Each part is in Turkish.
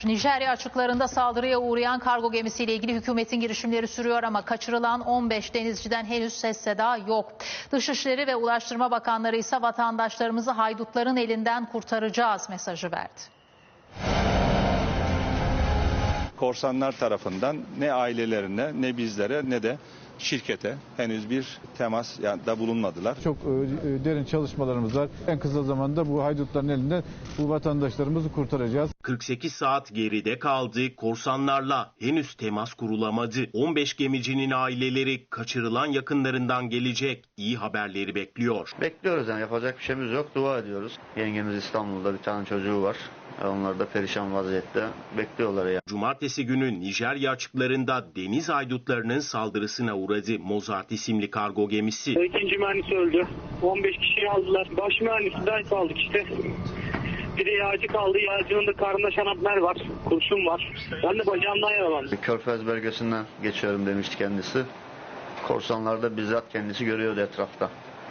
Nijerya açıklarında saldırıya uğrayan kargo gemisiyle ilgili hükümetin girişimleri sürüyor ama kaçırılan 15 denizciden henüz ses seda yok. Dışişleri ve Ulaştırma Bakanları ise vatandaşlarımızı haydutların elinden kurtaracağız mesajı verdi. Korsanlar tarafından ne ailelerine ne bizlere ne de şirkete henüz bir temas da bulunmadılar. Çok derin çalışmalarımız var. En kısa zamanda bu haydutların elinden bu vatandaşlarımızı kurtaracağız. 48 saat geride kaldı. Korsanlarla henüz temas kurulamadı. 15 gemicinin aileleri kaçırılan yakınlarından gelecek iyi haberleri bekliyor. Bekliyoruz yani, yapacak bir şeyimiz yok. Dua ediyoruz. Yengemiz İstanbul'da, bir tane çocuğu var. Onlar da perişan vaziyette bekliyorlar ya. Cumartesi günü Nijerya açıklarında deniz haydutlarının saldırısına uğradı Mozart isimli kargo gemisi. İkinci mühendis öldü. 15 kişiyi aldılar. Baş mühendisi de kaldık işte. Bir de yağcı kaldı. Yağcının da karnında şanapner var. Kurşun var. Ben de bacağımdan yaralandım. Körfez bölgesinden geçiyorum demişti kendisi. Korsanlar da bizzat kendisi görüyordu etrafta.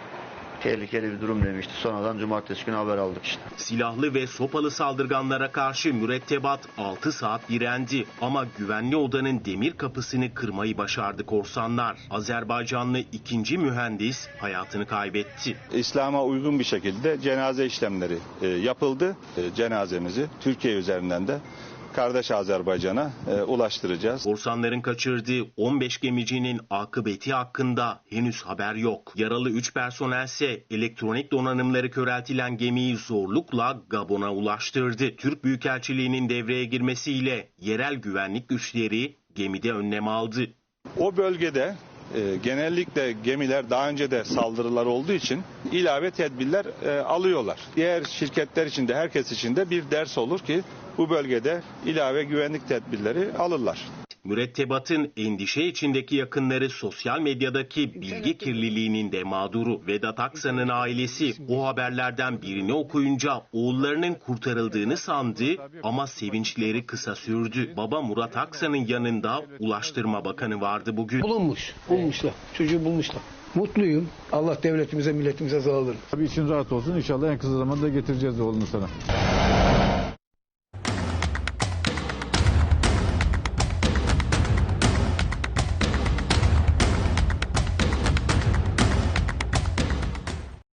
Tehlikeli bir durum demişti. Sonradan cumartesi günü haber aldık işte. Silahlı ve sopalı saldırganlara karşı mürettebat 6 saat direndi ama güvenli odanın demir kapısını kırmayı başardı korsanlar. Azerbaycanlı ikinci mühendis hayatını kaybetti. İslam'a uygun bir şekilde cenaze işlemleri yapıldı. Cenazemizi Türkiye üzerinden de kardeş Azerbaycan'a ulaştıracağız. Korsanların kaçırdığı 15 gemicinin akıbeti hakkında henüz haber yok. Yaralı 3 personelse elektronik donanımları köreltilen gemiyi zorlukla Gabon'a ulaştırdı. Türk Büyükelçiliği'nin devreye girmesiyle yerel güvenlik güçleri gemide önlem aldı. O bölgede genellikle gemiler daha önce de saldırılar olduğu için ilave tedbirler alıyorlar. Diğer şirketler için de herkes için de bir ders olur ki bu bölgede ilave güvenlik tedbirleri alırlar. Mürettebatın endişe içindeki yakınları sosyal medyadaki bilgi kirliliğinin de mağduru. Vedat Aksan'ın ailesi o haberlerden birini okuyunca oğullarının kurtarıldığını sandı ama sevinçleri kısa sürdü. Baba Murat Aksan'ın yanında Ulaştırma Bakanı vardı bugün. Bulmuşlar. Çocuğu bulmuşlar. Mutluyum. Allah devletimize, milletimize sağlık. Tabii için rahat olsun. İnşallah en kısa zamanda getireceğiz oğlunu sana.